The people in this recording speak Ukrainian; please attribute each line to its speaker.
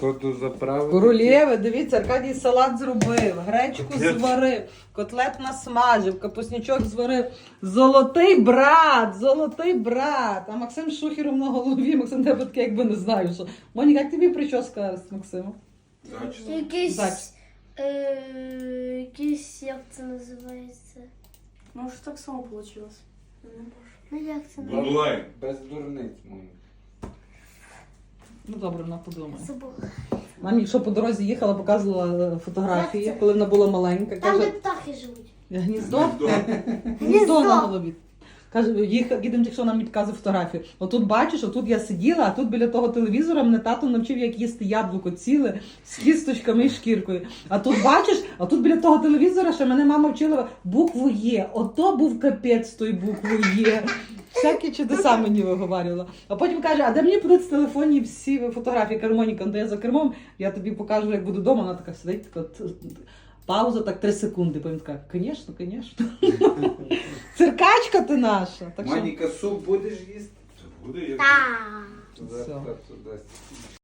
Speaker 1: Походу заправити.
Speaker 2: Королєви, дивіться, Аркадій салат зробив, гречку зварив, котлет насмажив, капуснячок зварив. Золотий брат, золотий брат. А Максим з шухером на голові. Максим, тебе таке якби не знаю, що. Моніка, як тобі прическа з Максимом?
Speaker 3: Якийсь, як це називається?
Speaker 4: Може так само вийшло.
Speaker 3: Ну як це називається?
Speaker 5: Онлайн.
Speaker 1: Без дурниць, Моніка.
Speaker 2: Ну добре, вона подумає.
Speaker 3: Забула.
Speaker 2: Мамі, що по дорозі їхала, показувала фотографії,
Speaker 3: Як це?
Speaker 2: коли вона була маленька.
Speaker 3: Там, де
Speaker 2: Каже,
Speaker 3: птахи живуть.
Speaker 2: гніздо,
Speaker 5: Гніздо.
Speaker 2: гніздо на голові. Каже, їдемо, якщо нам не підказує фотографію. Отут бачиш, отут я сиділа, а тут біля того телевізора мене тато навчив, як їсти яблуко ціле з кісточками і шкіркою. А тут бачиш, а тут біля того телевізора ще мене мама вчила букву Є. Ото був капець з тою буквою Є. Всякі чудеса мені виговарювала. А потім каже, а де мені будуть з телефоні всі фотографії? Кажу, Моніка, де я за кермом, я тобі покажу, як буду вдома. Вона така сидить, така пауза, так 3 секунди. Потім така, звісно, звісно. Циркачка ти наша. Так що...
Speaker 1: Моніка, суп будеш їсти?
Speaker 5: Буде як.
Speaker 3: Так.
Speaker 1: Туди,
Speaker 2: Все.
Speaker 1: туди.